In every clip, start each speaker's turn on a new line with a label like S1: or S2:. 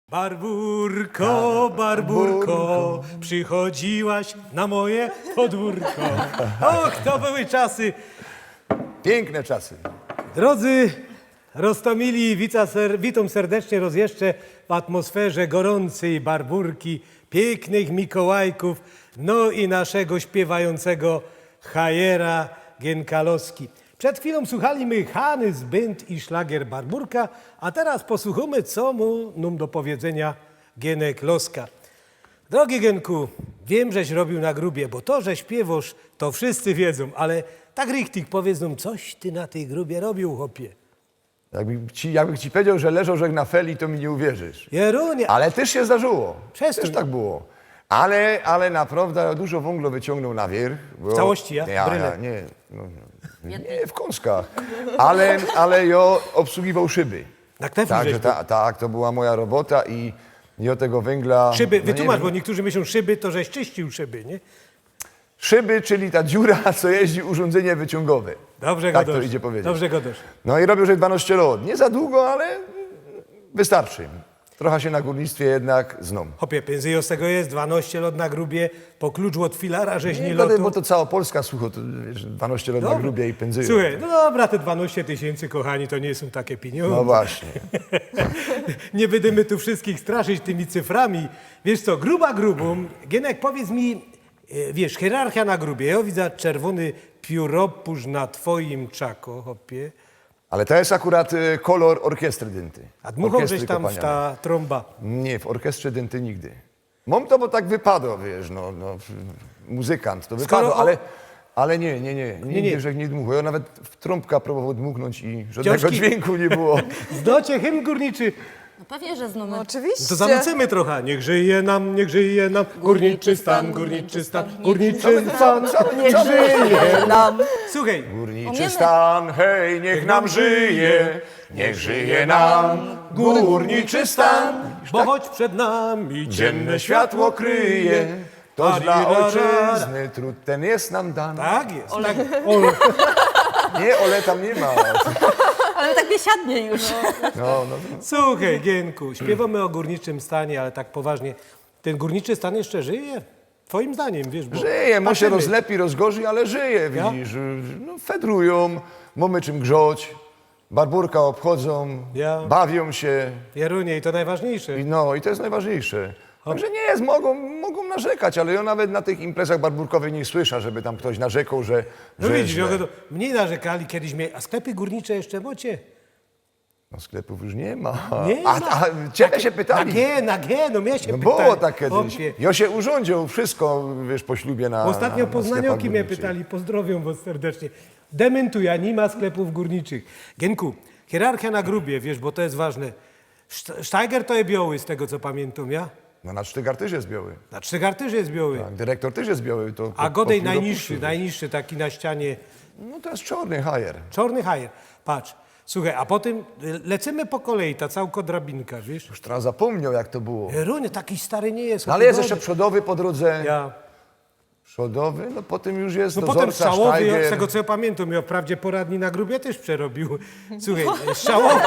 S1: Barburko, Barburko, przychodziłaś na moje podwórko. Och, to były czasy.
S2: Piękne czasy.
S1: Drodzy Rostomili, witam serdecznie raz jeszcze w atmosferze gorącej Barburki, pięknych Mikołajków, no i naszego śpiewającego Hajera Genkalowski. Przed chwilą słuchaliśmy Hanys Band i szlagier Barburka, a teraz posłuchamy, co mu nam do powiedzenia Genek Loska. Drogi Genku, wiem, żeś robił na grubie, bo to, że śpiewasz, to wszyscy wiedzą, ale tak richtig powiedz nam, coś ty na tej grubie robił, chłopie.
S2: Jakbym ci powiedział, że leżał żeg na feli, to mi nie uwierzysz.
S1: Jerunie,
S2: Ale też się zdarzyło.
S1: Przestań.
S2: Też tak było. Ale naprawdę dużo węgla wyciągnął na wierzch.
S1: W całości, ja? Bryle.
S2: Nie, w kąskach. Ale ja obsługiwał szyby.
S1: na kneflu
S2: Także
S1: żeś
S2: tak, to była moja robota i od tego węgla...
S1: szyby,
S2: no nie
S1: wytłumacz,
S2: wiem.
S1: bo niektórzy myślą szyby, to żeś czyścił szyby, nie?
S2: Szyby, czyli ta dziura, co jeździ urządzenie wyciągowe.
S1: Dobrze
S2: Tak
S1: godosz.
S2: to idzie powiedzieć.
S1: Dobrze godosz.
S2: No i robił, że 12 lat. Nie za długo, ale wystarczy. Trochę się na górnictwie jednak znam.
S1: Chopie, pędzyjo z tego jest, 12 lat na grubie, po kluczu od filara, żeś nie
S2: Bo
S1: lotu.
S2: to cała Polska, słucho, to wiesz, 12 lat na
S1: Dobra.
S2: grubie i pędzyją.
S1: Słuchaj, no dobra, te 12 tysięcy, kochani, to nie są takie pieniądze.
S2: No właśnie.
S1: Nie będziemy tu wszystkich straszyć tymi cyframi. Wiesz co, gruba grubą. Gienek, powiedz mi, wiesz, hierarchia na grubie. Ja widzę czerwony pióropusz na twoim czako, hopie.
S2: Ale to jest akurat kolor orkiestry dynty.
S1: A dmuchał
S2: Orkiestry
S1: żeś tam w
S2: kopanianej.
S1: ta trąba.
S2: Nie, w orkiestrze dynty nigdy. Mam to, bo tak wypadło, wiesz, muzykant, to
S1: Skoro
S2: wypadło,
S1: o-
S2: ale nie. Nigdy, że nie dmuchał. Ja nawet w trąbka próbował dmuchnąć i żadnego
S1: Książki?
S2: dźwięku nie było.
S1: Zdocie hymn górniczy.
S3: No pewnie, że znamy.
S4: Oczywiście.
S1: To zanucimy trochę. Niech żyje nam górniczy stan, górniczy stan, górniczy stan, niech żyje.
S4: Nam.
S1: Słuchaj,
S2: Górniczy
S3: Umiemy.
S2: stan, hej, niech nam żyje, niech żyje nam górniczy stan.
S1: bo choć przed nami
S2: Dzienne światło kryje, toż dla
S1: Arirara.
S2: ojczyzny trud ten jest nam dan.
S1: Tak jest.
S3: Ole.
S1: Tak. Ole.
S2: Nie, ole tam nie ma.
S3: Ale tak biesiadnie już.
S2: No.
S1: Słuchaj, Gienku, śpiewamy o górniczym stanie, ale tak poważnie. Ten górniczy stan jeszcze żyje? Twoim zdaniem, wiesz, bo...
S2: Żyje, może się
S1: patrzymy.
S2: rozlepi, rozgorzy, ale żyje,
S1: Ja?
S2: widzisz. No, fedrują, mamy czym grzać, barburka obchodzą,
S1: Ja?
S2: bawią się.
S1: Jerunie, i to najważniejsze.
S2: I to jest najważniejsze. Także nie jest, mogą narzekać, ale ja nawet na tych imprezach barburkowych nie słyszę, żeby tam ktoś narzekał, że
S1: No
S2: że
S1: widzisz,
S2: źle.
S1: to mniej narzekali kiedyś, a sklepy górnicze jeszcze macie?
S2: No sklepów już nie ma.
S1: Nie ma.
S2: A ciebie się pytali.
S1: Na G, no mnie się
S2: No
S1: pytali.
S2: było tak kiedyś.
S1: Chłopie.
S2: Ja się urządził wszystko, wiesz, po ślubie na
S1: Ostatnio
S2: na
S1: poznanioki
S2: sklepach
S1: mnie
S2: górniczych.
S1: pytali, pozdrowią was serdecznie. Dementuję, nie ma sklepów górniczych. Genku, hierarchia na grubie, wiesz, bo to jest ważne. Steiger to jest biały, z tego co pamiętam, ja?
S2: No na Sztygar też jest biały.
S1: Na Trzygar też jest biały.
S2: Tak, dyrektor też jest biały. To
S1: A
S2: po
S1: Godej
S2: chwili
S1: najniższy,
S2: opuścił.
S1: najniższy taki na ścianie.
S2: No to jest czarny hajer.
S1: Czarny hajer. Patrz, słuchaj, a potem lecimy po kolei, ta całka drabinka, wiesz?
S2: Już teraz zapomniał, jak to było.
S1: Runie, taki stary nie jest.
S2: No, ale jest
S1: chłopie,
S2: jeszcze przodowy po drodze.
S1: Ja.
S2: Przodowy, no potem już jest
S1: No potem
S2: dozorca,
S1: strzałowy,
S2: Steiger.
S1: z tego co ja pamiętam, ja wprawdzie poradni na grubie też przerobił. Słuchaj, strzałowy.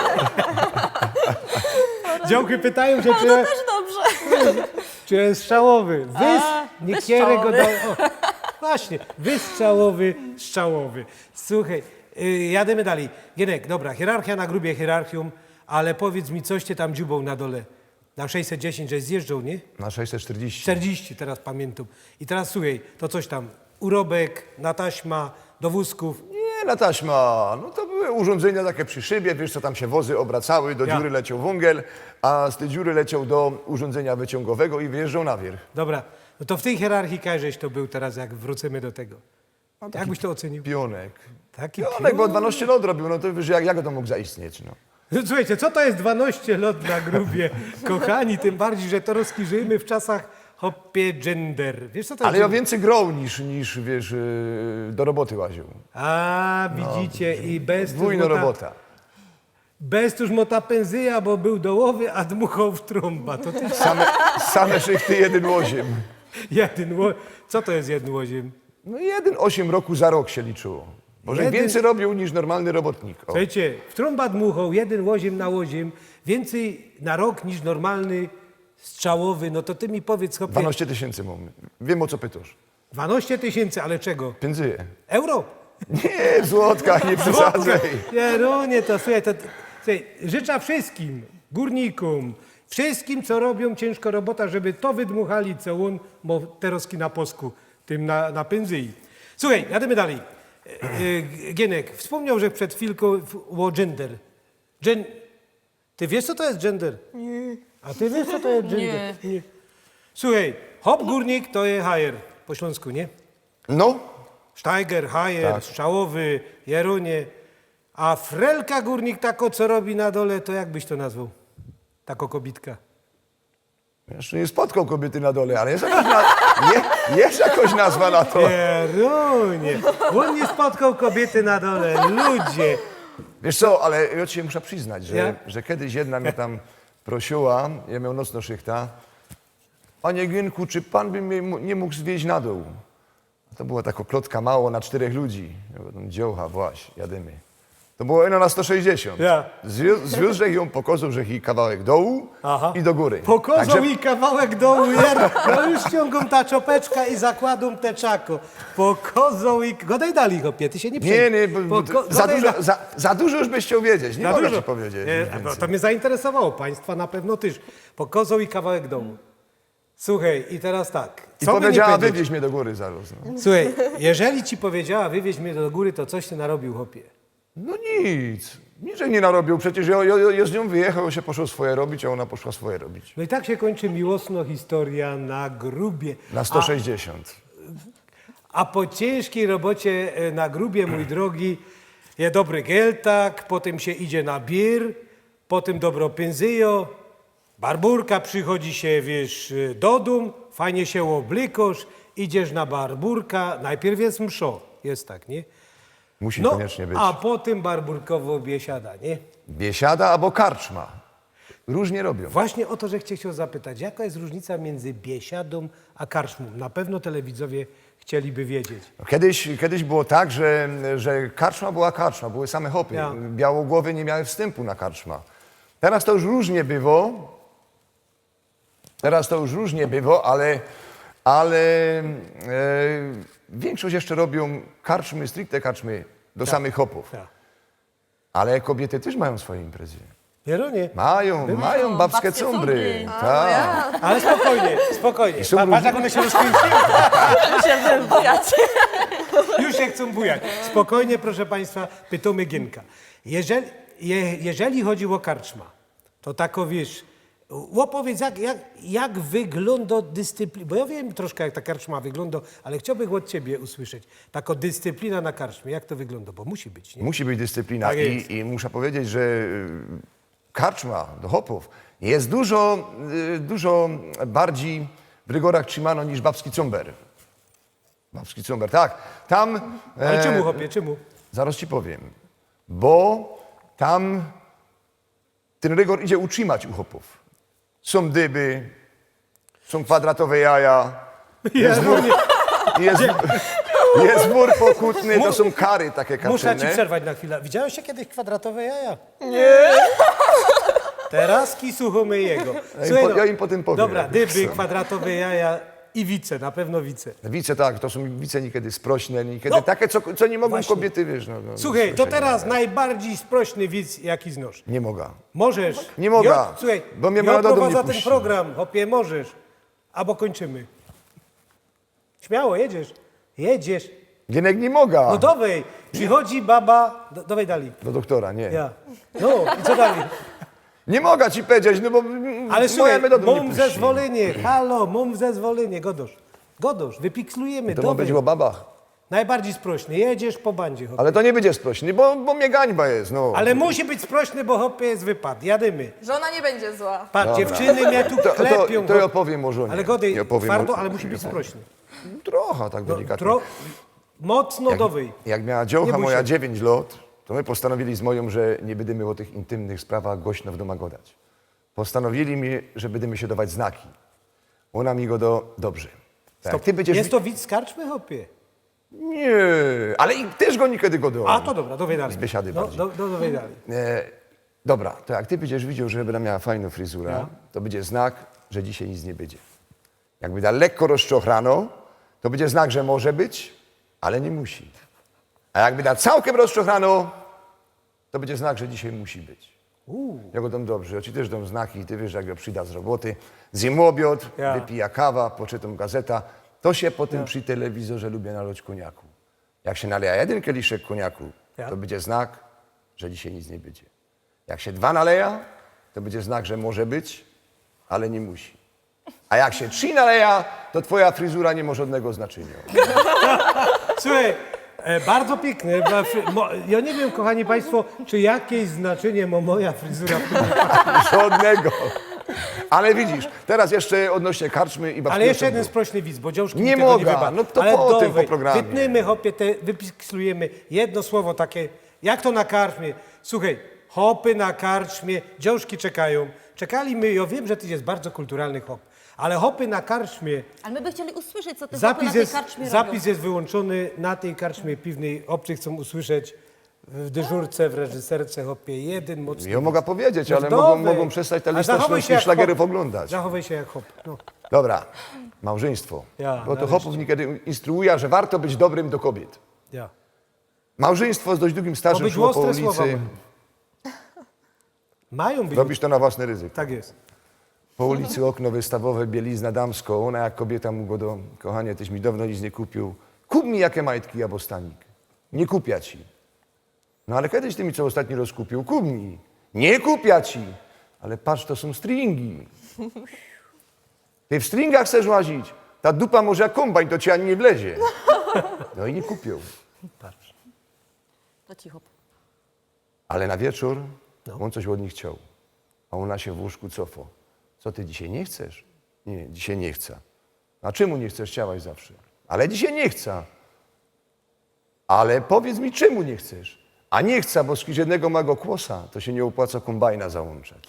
S1: Działki pytają się,
S3: To też dobrze.
S1: czy jest strzałowy. Niekiery go
S3: wystrzałowy.
S1: dają. O, właśnie, wystrzałowy, strzałowy. Słuchaj, jademy dalej. Gienek, dobra, hierarchia na grubie, hierarchium, ale powiedz mi, coś cię tam dziubą na dole. Na 610, żeś zjeżdżał, nie?
S2: Na 640.
S1: 40, teraz pamiętam. I teraz słuchaj, to coś tam, urobek, na taśma, do wózków.
S2: Nie, na taśma. No to były urządzenia takie przy szybie, wiesz co, tam się wozy obracały, do
S1: Ja.
S2: dziury leciał wągiel, a z tej dziury leciał do urządzenia wyciągowego i wyjeżdżał na wierzch.
S1: Dobra, no to w tej hierarchii żeś to był teraz, jak wrócimy do tego. Jak byś to ocenił?
S2: Pionek.
S1: Taki
S2: Pionek, bo 12 lat robił, no to wiesz, jak to mógł zaistnieć, no.
S1: No, słuchajcie, co to jest 12 lat na grubie? Kochani, tym bardziej, że to rozkirzyjmy w czasach hopie gender. Wiesz co to
S2: Ale
S1: jest?
S2: ja więcej grał niż wiesz, do roboty łaził.
S1: A, widzicie, i bez
S2: Dwójna robota.
S1: Bez tuż mota pędzyja, bo był dołowy, a dmuchał w trąba. To też
S2: Same szychty, jeden łoziem.
S1: Co to jest jeden łoziem?
S2: No 1,8 roku za rok się liczyło. Może
S1: Jeden-
S2: więcej robił niż normalny robotnik. O.
S1: Słuchajcie, w trąba dmuchał, jeden łoziem na łoziem. więcej na rok niż normalny strzałowy, no to ty mi powiedz, chłopie,
S2: 12 tysięcy mam. Wiem, o co pytasz.
S1: 12 tysięcy, ale czego?
S2: Piędzyje.
S1: Euro?
S2: Nie, w złotkach, nie przesadzaj.
S1: Jerunie, to słuchaj, słuchaj, życzę wszystkim górnikom, wszystkim, co robią ciężko robota, żeby to wydmuchali, co on, bo teroski na posku, tym na pędzyi. Słuchaj, jadymy dalej. Gienek, wspomniał, że przed chwilką o gender. Ty wiesz, co to jest gender? Nie. A ty wiesz, co to jest gender? Nie. Słuchaj, hop górnik to jest hajer po śląsku, nie?
S2: No,
S1: Steiger, hajer,
S2: Tak.
S1: strzałowy, Jerunie. A frelka górnik tako, co robi na dole, to jak byś to nazwał? Tako kobitka.
S2: jeszcze nie spotkał kobiety na dole, ale jest jakoś nazwa na to.
S1: Jerunie, on nie spotkał kobiety na dole, ludzie.
S2: Wiesz co, ale ja ci się muszę przyznać,
S1: Ja?
S2: że kiedyś jedna mnie tam prosiła, ja miał nocno szychta, panie Gienku, czy pan by mnie nie mógł zwieźć na dół? To była taka klotka mało na 4 ludzi. Ja mówię, tam dziołcha, właśnie, jadymy. To było eno na 160.
S1: Ja.
S2: Zwiózł ją, pokazał, że i kawałek dołu i do góry.
S1: Pokozą i kawałek dołu, no już ściągą ta czopeczka i zakładą te czako. Pokozą i... Godaj dali, chłopie, ty się nie przejmuj.
S2: Nie, bo za dużo już byś chciał wiedzieć, nie mogę ci powiedzieć.
S1: Nie,
S2: nic
S1: no,
S2: więcej.
S1: to mnie zainteresowało, państwa na pewno też. Pokozą i kawałek dołu. Słuchaj, i teraz tak.
S2: I
S1: co by nie
S2: powiedziała,
S1: powiedzieć?
S2: wywieź mnie do góry zaraz. No.
S1: Słuchaj, jeżeli ci powiedziała, wywieź mnie do góry, to coś ty narobił, chłopie.
S2: No nic, niczego nie narobił. Przecież ja z nią wyjechał, się poszło swoje robić, a ona poszła swoje robić.
S1: No i tak się kończy miłosna historia na grubie.
S2: Na 160.
S1: A po ciężkiej robocie na grubie, mój drogi, je dobry geltak, potem się idzie na bir, potem dobro pędzyjo, barburka przychodzi się, wiesz, do dum, fajnie się oblykosz, idziesz na barburka, najpierw jest mszo, jest tak, nie?
S2: Musi koniecznie być.
S1: A potem barburkowo biesiada, nie?
S2: Biesiada albo karczma. Różnie robią.
S1: Właśnie o to, że chciał zapytać, jaka jest różnica między biesiadą a karczmą? Na pewno telewidzowie chcieliby wiedzieć.
S2: Kiedyś było tak, że karczma była karczma, były same hopy.
S1: Ja.
S2: Białogłowy nie miały wstępu na karczma. Teraz to już różnie bywo. Ale większość jeszcze robią karczmy, stricte karczmy do samych hopów.
S1: Tak.
S2: Ale kobiety też mają swoje imprezy.
S1: Jeronie,
S2: Mają babskie
S3: babskie
S2: cumbry.
S3: cumbry.
S2: Tak.
S1: ale spokojnie.
S2: są
S1: Patrz, jak one się rozkręciły.
S3: Się wybujacie.
S1: Już się chcą bujać. Spokojnie, proszę Państwa, pytamy Gienka. Jeżeli chodzi o karczma, to tako wiesz, opowiedz, jak wygląda dyscyplina, bo ja wiem troszkę, jak ta karczma wygląda, ale chciałbym od Ciebie usłyszeć. Taka dyscyplina na karczmie, jak to wygląda, bo musi być, nie?
S2: Musi być dyscyplina.
S1: Tak jest.
S2: I muszę powiedzieć, że karczma do hopów jest dużo bardziej w rygorach trzymano niż babski cumber. Babski cumber, tak. Tam...
S1: Ale czemu, chłopie, czemu?
S2: Zaraz ci powiem. Bo tam ten rygor idzie utrzymać u hopów. Są dyby, są kwadratowe jaja, jest wór pokutny, to są kary takie
S1: Muszę Ci
S2: kaczyne.
S1: przerwać na chwilę. Widziałeś się kiedyś kwadratowe jaja? Nie. Teraz suchomy jego.
S2: Ja im potem powiem.
S1: Dobra, dyby, kwadratowe jaja i wice, na pewno wice.
S2: Wice tak, to są wice niekiedy sprośne, niekiedy
S1: No,
S2: takie, co nie mogą
S1: właśnie.
S2: kobiety, wiesz.
S1: Słuchaj, to
S2: sprośne.
S1: teraz najbardziej sprośny widz, jaki znasz.
S2: Nie mogę.
S1: Możesz.
S2: Nie mogę,
S1: Słuchaj,
S2: bo mnie
S1: ja
S2: moja do domu nie
S1: prowadzę ten
S2: puści.
S1: program, hopie, możesz. Albo kończymy. Śmiało, jedziesz.
S2: Gienek nie mogę.
S1: No dowej, przychodzi baba, dowej dali.
S2: Do doktora, nie.
S1: Ja. No i co dalej?
S2: Nie mogę ci powiedzieć, no bo
S1: Ale
S2: moja
S1: słuchaj,
S2: mnie do domu nie
S1: mam
S2: puści.
S1: zezwolenie, halo, mam zezwolenie, Godosz, wypikslujemy,
S2: To ma być o babach.
S1: Najbardziej sprośny, jedziesz po bandzie, hopie.
S2: Ale to nie będzie sprośny, bo mnie gańba jest, no.
S1: Ale musi być sprośny, bo hopie jest wypad, jadymy.
S3: Żona nie będzie zła.
S1: Patrz,
S2: Dobra.
S1: dziewczyny mnie tu klepią.
S2: To ja opowiem o żonie.
S1: Ale godej,
S2: Ja opowiem
S1: twardo,
S2: o-
S1: ale musi być sprośny.
S2: Trochę tak delikatnie.
S1: Mocno dowej.
S2: Jak miała
S1: Nie
S2: dziołcha
S1: bój
S2: moja
S1: się.
S2: 9 lat, to my postanowili z moją, że nie będziemy o tych intymnych sprawach głośno w domu gadać. Postanowili mi, że będziemy się dawać znaki. Ona mi go dobrze. Tak,
S1: Stop.
S2: ty będziesz...
S1: Jest to widz z karczmy, hopie?
S2: Nie, ale i też go niekiedy go do.
S1: A, to dobra, dowej dalej.
S2: Z biesiady bardziej.
S1: Dowej dalej.
S2: Dobra, to jak ty będziesz widział, że będę miała fajną fryzurę, to będzie znak, że dzisiaj nic nie będzie. Jakby da lekko rozczochrano, to będzie znak, że może być, ale nie musi. A jakby da całkiem rozczochrano, to będzie znak, że dzisiaj musi być. Ja go dam dobrze, ja ci też dam znaki, ty wiesz, jak go przyda z roboty, zjem obiad,
S1: Ja.
S2: wypija kawa, poczytam gazeta, to się potem przy telewizorze lubię nalać koniaku. Jak się naleja jeden kieliszek koniaku,
S1: Ja.
S2: to będzie znak, że dzisiaj nic nie będzie. Jak się 2 naleja, to będzie znak, że może być, ale nie musi. A jak się 3 naleja, to twoja fryzura nie ma żadnego znaczenia.
S1: Słuchaj, bardzo piękne. Ja nie wiem, kochani państwo, czy jakieś znaczenie ma moja fryzura w tym wypadku.
S2: Żadnego. Ale widzisz, teraz jeszcze odnośnie karczmy i babskiego
S1: Ale jeszcze
S2: sądu.
S1: jeden sprośny widz, bo dziążki
S2: Nie
S1: mi tego
S2: mogę,
S1: nie wyba.
S2: no to
S1: Ale
S2: po tym,
S1: dawaj,
S2: po programie.
S1: Wytniemy, hopie, wypikslujemy jedno słowo takie, jak to na karczmie. Słuchaj, hopy na karczmie, dziążki czekają. Czekali my, ja wiem, że ty jest bardzo kulturalny hop, ale hopy na karczmie,
S4: Ale my by chcieli usłyszeć, co te chłopy na
S1: zapis
S4: tej
S1: jest,
S4: karczmie
S1: zapis
S4: robią.
S1: jest wyłączony na tej karczmie piwnej. Obcy chcą usłyszeć w dyżurce, w reżyserce, hopie, jeden mocny.
S2: Ja mogę powiedzieć,
S1: No
S2: ale
S1: dawaj.
S2: mogą przestać tę
S1: A
S2: listę
S1: zachowaj się
S2: śląskich
S1: jak
S2: szlagerów
S1: hop.
S2: oglądać.
S1: Zachowaj się jak hop. No.
S2: Dobra, małżeństwo.
S1: Ja,
S2: Bo to
S1: nareszcie.
S2: chłopów niekiedy instruuje, że warto być dobrym do kobiet.
S1: Ja.
S2: Małżeństwo z dość długim stażem
S1: Obyć
S2: szło po
S1: ostre słowa
S2: ulicy.
S1: mają być.
S2: Robisz to na własny ryzyko.
S1: Tak jest.
S2: Po ulicy okno wystawowe, bielizna damsko. Ona jak kobieta mu go do... Kochanie, tyś mi dawno nic nie kupił. Kup mi jakie majtki, albo stanik. Nie kupia ci. No ale kiedyś ty mi co ostatni raz kupił? Kup mi. Nie kupia ci. Ale patrz, to są stringi. Ty w stringach chcesz łazić. Ta dupa może jak kombajn, to ci ani nie wlezie. No i nie kupił.
S4: To cicho.
S2: Ale na wieczór on coś od nich chciał. A ona się w łóżku cofa. Co ty dzisiaj nie chcesz? Nie, dzisiaj nie chcę. A czemu nie chcesz? Chciałaś zawsze. Ale dzisiaj nie chcę. Ale powiedz mi, czemu nie chcesz? A nie chcę, bo z jednego mego kłosa to się nie opłaca kombajna załączać.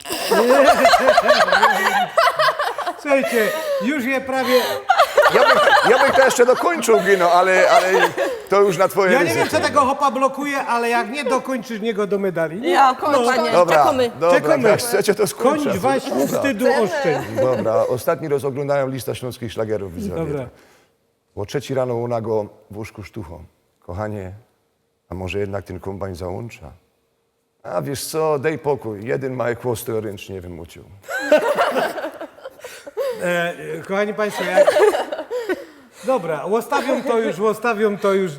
S1: Słuchajcie, już je prawie...
S2: Ja bych to jeszcze dokończył, Gino, ale to już na twoje
S1: Ja nie
S2: ryzyko.
S1: wiem, co tego hopa blokuje, ale jak nie dokończysz niego do medali...
S3: Ja,
S4: Panie,
S2: Dobra,
S4: czekamy.
S2: dobra,
S1: Czekamy.
S2: jak chcecie, to skończę.
S1: Kończ waś wstydu oszczędź.
S2: Dobra, ostatni raz oglądałem listę śląskich szlagerów, widzowie.
S1: Dobra.
S2: O 3 rano ona go w łóżku sztuchą. Kochanie, a może jednak ten kombajn załącza? A wiesz co, daj pokój. Jeden mały kłos to ręcznie wymucił.
S1: Kochani państwo, jak... Dobra, łostawią to już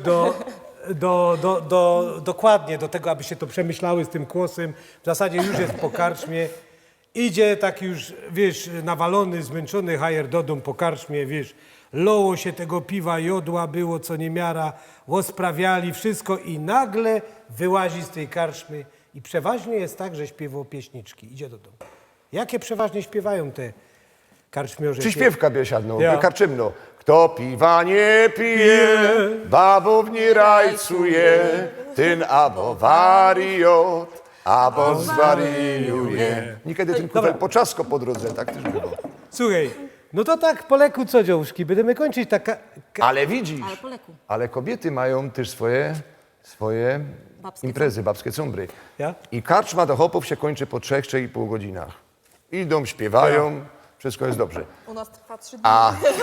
S1: dokładnie do tego, aby się to przemyślały z tym kłosem. W zasadzie już jest po karczmie. Idzie tak już, wiesz, nawalony, zmęczony hajer do domu po karczmie, wiesz. Loło się tego piwa, jodła było co niemiara, łosprawiali wszystko i nagle wyłazi z tej karczmy i przeważnie jest tak, że śpiewał pieśniczki. Idzie do domu. Jakie przeważnie śpiewają te karczmiorze?
S2: Przyśpiewka biesiadną,
S1: Ja.
S2: karczymno. Kto piwa nie pije, babów nie rajcuje, ten albo wariot, albo zwariuje. Niekiedy ten kufel poczasko po drodze, tak też było.
S1: Słuchaj, no to tak po leku co dziążki, będziemy kończyć taka...
S2: Ale widzisz,
S4: Ale po leku.
S2: ale kobiety mają też swoje
S4: Babskie
S2: imprezy, babskie cumbry.
S1: Ja?
S2: I karczma do hopów się kończy po 3-3,5 godzinach. Idą, śpiewają, wszystko jest dobrze.
S3: u nas trwa 3 dni.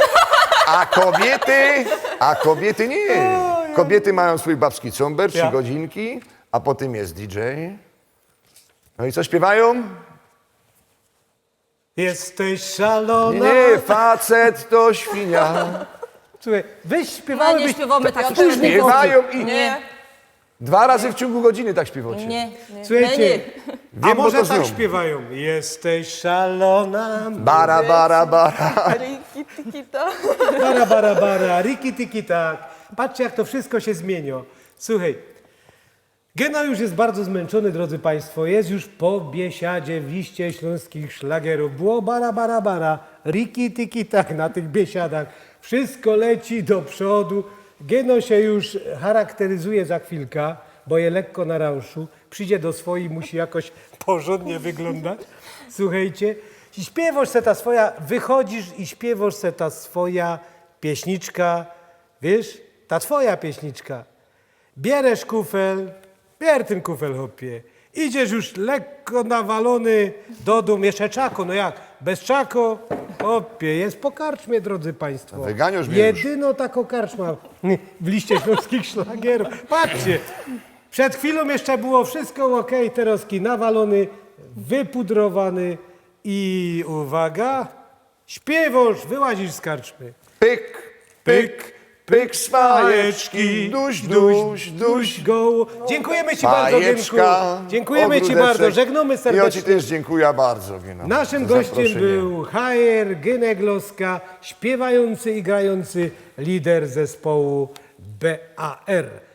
S2: A kobiety nie. Kobiety mają swój babski cumber, 3
S1: Ja.
S2: godzinki, a potem jest DJ. No i co śpiewają?
S1: Jesteś szalona.
S2: Nie, facet to świnia.
S1: Słuchaj, weź
S4: No
S1: śpiewamy,
S4: nie śpiewamy tak
S3: też
S4: później.
S2: Śpiewają i
S3: Nie,
S2: 2 razy w ciągu godziny tak śpiewacie.
S4: Nie,
S1: Słuchajcie,
S4: nie.
S1: a
S2: Wiem, bo
S1: może
S2: to
S1: tak
S2: znam.
S1: śpiewają. Jesteś szalona.
S2: Bara, bara, bara.
S3: Riki, tikita.
S1: Bara, bara, bara, riki, tiki, tak. Patrzcie, jak to wszystko się zmienia. Słuchaj, Gena już jest bardzo zmęczony, drodzy Państwo. Jest już po biesiadzie w liście śląskich szlagerów. Było bara, bara, bara, riki, tiki, tak na tych biesiadach. Wszystko leci do przodu. Geno się już charakteryzuje za chwilkę, bo je lekko na rauszu. Przyjdzie do swojej, musi jakoś porządnie wyglądać. Słuchajcie, i śpiewasz se ta swoja, wychodzisz i śpiewasz se ta swoja pieśniczka, wiesz, ta twoja pieśniczka. Bierzesz kufel, bier ten kufel, hopie. Idziesz już lekko nawalony do dum, jeszcze czako, no jak, bez czako, opie, jest po karczmie, drodzy państwo.
S2: Wyganiasz mnie już.
S1: Jedyno taką karczma w liście śląskich szlagierów. Patrzcie, przed chwilą jeszcze było wszystko ok, teroski nawalony, wypudrowany i uwaga, śpiewasz, wyłazisz z karczmy.
S2: Pyk, pyk, pyk z fajeczki, duś, duś, duś.
S1: Go. Dziękujemy ci bardzo, Gienku.
S2: Fajeczka,
S1: Dziękujemy ci
S2: ogródeczek.
S1: bardzo, żegnamy
S2: I ja ci
S1: serdecznie.
S2: też dziękuję bardzo, Gina,
S1: Naszym
S2: za
S1: gościem
S2: zaproszenie.
S1: był HR Gynegloska, śpiewający i grający lider zespołu BAR.